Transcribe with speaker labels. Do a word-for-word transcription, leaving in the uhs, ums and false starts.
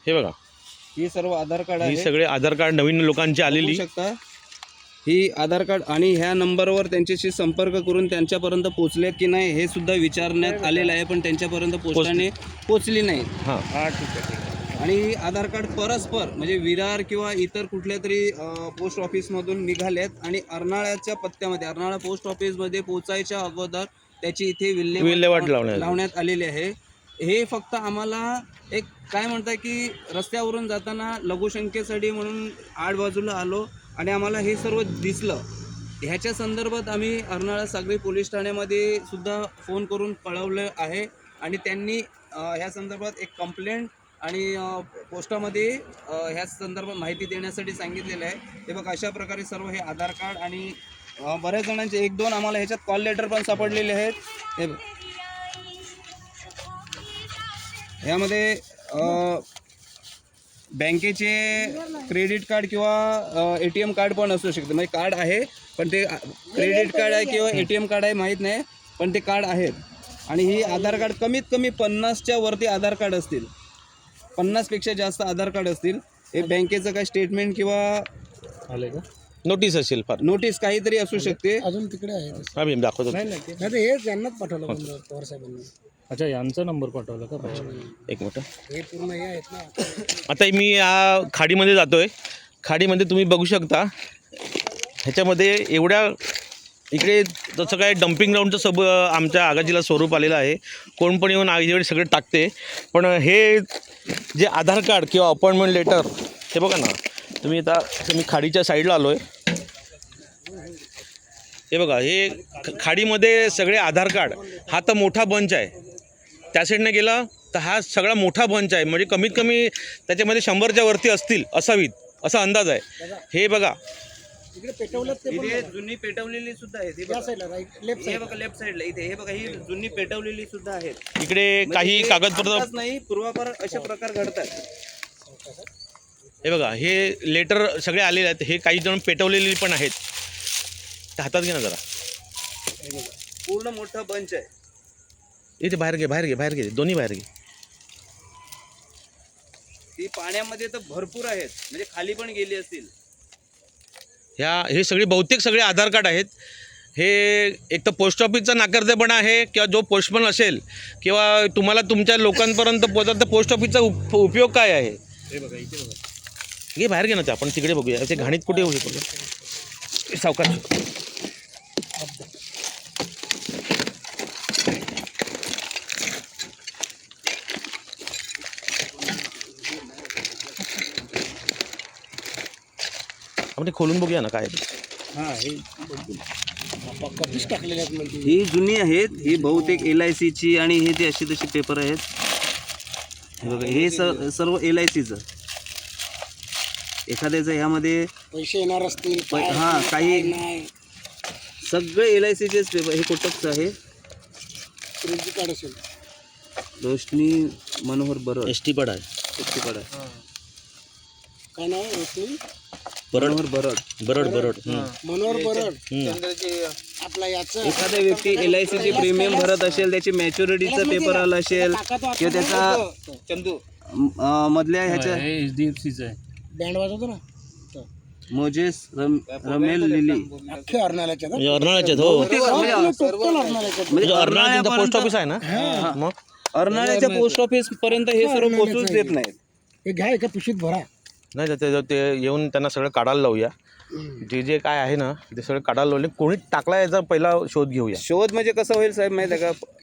Speaker 1: हे बघा,
Speaker 2: ही सर्व आधार कार्ड आहे.
Speaker 1: ही सगळे आधार कार्ड नवीन लोकांची आलेली
Speaker 2: शकता. ही आधार कार्ड आणि ह्या नंबरवर त्यांच्याशी संपर्क करून त्यांच्यापर्यंत पोहोचलेत की नाही हे सुद्धा विचारण्यात आलेलं आहे, पण त्यांच्यापर्यंत पोस्टाने पोचली नाही.
Speaker 1: हां
Speaker 2: हां ठीक आहे ठीक आहे. आणि ही आधार कार्ड परस्पर म्हणजे विरार किंवा इतर कुठल्या तरी पोस्ट ऑफिसमधून निघालेत आणि अर्नाळ्याच्या पत्त्यामध्ये अर्नाळा पोस्ट ऑफिसमध्ये पोहोचायच्या अगोदर त्याची इथे
Speaker 1: विल्हेवाट
Speaker 2: विल्हेवाट
Speaker 1: लावण्यात
Speaker 2: लावण्यात आलेली आहे. हे फक्त आम्हाला एक काय म्हणतात की रस्त्यावरून जाताना लघुशंकेसाठी म्हणून आड बाजूला आलो आणि आम्हाला हे सर्व दिसलं. ह्याच्या संदर्भात आम्ही अर्नाळा सागरी पोलीस ठाण्यामध्ये सुद्धा फोन करून कळवलं आहे आणि त्यांनी ह्या संदर्भात एक कंप्लेंट आणि पोस्टामध्ये ह्या संदर्भात माहिती देण्यासाठी सांगितलेलं आहे. हे बघ अशा प्रकारे सर्व हे आधार कार्ड आणि बऱ्याच जणांचे एक दोन आम्हाला ह्याच्यात कॉल लेटर पण सापडलेले आहेत. हे ह्यामध्ये बँकेचे क्रेडिट कार्ड किंवा ए टी एम कार्ड पण असू शकते. म्हणजे कार्ड आहे पण ते क्रेडिट कार्ड आहे किंवा ए टी एम कार्ड आहे माहीत नाही, पण ते कार्ड आहेत. आणि ही आधार कार्ड कमीत कमी पन्नासच्या वरती आधार कार्ड असतील, पन्नासपेक्षा जास्त आधार कार्ड असतील. हे बँकेचं काय स्टेटमेंट किंवा
Speaker 1: आले का नोटीस असेल, फार
Speaker 2: नोटीस काहीतरी असू शकते.
Speaker 3: अजून तिकडे आहे.
Speaker 1: आम्ही दाखवतो.
Speaker 3: नाही हे यांनाच पाठवलं पवार साहेबांनी.
Speaker 4: अच्छा, यांचा नंबर पाठवला का?
Speaker 1: एक मिनिट.
Speaker 3: हे पूर्ण हे आहेत ना.
Speaker 1: आता मी या खाडीमध्ये जातोय. खाडीमध्ये तुम्ही बघू शकता ह्याच्यामध्ये एवढ्या इकडे तसं काय डम्पिंग ग्राउंडचं सब आमच्या आगाजीला स्वरूप आलेलं आहे. कोण पण येऊन आगीकडे सगळे टाकते. पण हे जे आधार कार्ड किंवा अपॉइंटमेंट लेटर हे बघा ना तुम्ही. आता मी खाडीच्या साईडला आलो आहे. हे बघा, हे खाडीमध्ये सगळे आधार कार्ड. हा तर मोठा बंच आहे. त्या साईडने गेला तर हा सगळा मोठा बंच आहे. म्हणजे कमीत कमी त्याच्यामध्ये शंभरच्या वरती असतील असावीत असा अंदाज आहे. हे बघा
Speaker 3: इकडे पेटवलं ते
Speaker 2: इथे जुनी पेटवलेली सुद्धा आहेत. हे बघा
Speaker 3: साईडला राईट लेफ्ट
Speaker 2: हे बघा लेफ्ट साईडला इथे हे बघा ही जुनी पेटवलेली सुद्धा आहेत.
Speaker 1: इकडे काही कागदपत्र
Speaker 2: नाही पूर्वापार अशा प्रकार घडतात.
Speaker 1: हे बघा, हे लेटर सगळे आलेले आहेत. हे काही जण पेटवलेली पण आहेत. ते हातात घे ना जरा.
Speaker 2: पूर्ण मोठा बंच आहे.
Speaker 1: इथे बाहेर घे बाहेर घे बाहेर घे दोन्ही बाहेर घे.
Speaker 2: ती पाण्यामध्ये तर भरपूर आहेत, म्हणजे खाली पण गेली असतील.
Speaker 1: ह्या हे सगळे बहुतेक सगळे आधार कार्ड आहेत. हे एक तर पोस्ट ऑफिसचा नाकर्तेपणा आहे किंवा जो पोस्टमन असेल किंवा तुम्हाला तुमच्या लोकांपर्यंत पोहोचत तर पोस्ट ऑफिसचा उप उपयोग काय आहे.
Speaker 2: हे बघा इथे बघा.
Speaker 1: घे बाहेर घे ना. ते आपण तिकडे बघूया. ते घाणीत कुठे होईल बघा सावकाश. आपण ते खोलून बघूया ना काय.
Speaker 2: हां हे
Speaker 3: कधीच टाकलेले आहेत म्हणजे.
Speaker 2: ही जुनी आहेत. ही बहुतेक एल आय सीची आणि हे ते अशी तशी पेपर आहेत. हे बघा हे स सर्व एल आय सीचं. एखाद्याचं ह्यामध्ये
Speaker 3: पैसे येणार असतील
Speaker 2: प- हां काही
Speaker 3: नाही.
Speaker 2: सगळे एल आय सीचेच पेपर. हे कोटकचं आहे.
Speaker 3: क्रेडिट कार्ड असेल.
Speaker 2: रोशनी मनोहर बरड
Speaker 1: एस टी पड आहे.
Speaker 2: एस टी पड आहे.
Speaker 3: काय नाव आहे रोशनी
Speaker 2: मनोहर बरड
Speaker 1: बरड बरड.
Speaker 3: मनोहर बरड. आपला याचं
Speaker 2: एखादा व्यक्ती एल आय सीचे प्रीमियम भरत असेल, त्याची मॅच्युरिटीचा पेपर आला असेल किंवा त्याचा चंदू अं, मधल्या ह्याच्या
Speaker 4: एच डी एफ सीचं आहे.
Speaker 3: बँड वाजवतो ना.
Speaker 2: मोजेस रम, रमेल लिली
Speaker 3: अख्खे अर्नाळ्याच्या ना.
Speaker 1: म्हणजे अर्नाळ्याचे हो.
Speaker 3: टोटल अर्नाळ्याच्या.
Speaker 1: म्हणजे अर्नाळा पोस्ट ऑफिस आहे ना. मग
Speaker 2: अर्नाळ्याच्या पोस्ट ऑफिस पर्यंत हे सर्व पोहोचूच देत नाहीत.
Speaker 3: हे घ्या एका पिशवीत भरा.
Speaker 1: नाही तर ते ते येऊन त्यांना सगळं काढायला लावूया. जे जे काय आहे ना ते सगळं काढायला लावले. कोणी टाकला याचा पहिला शोध घेऊया.
Speaker 2: शोध म्हणजे कसं होईल साहेब माहिती आहे का?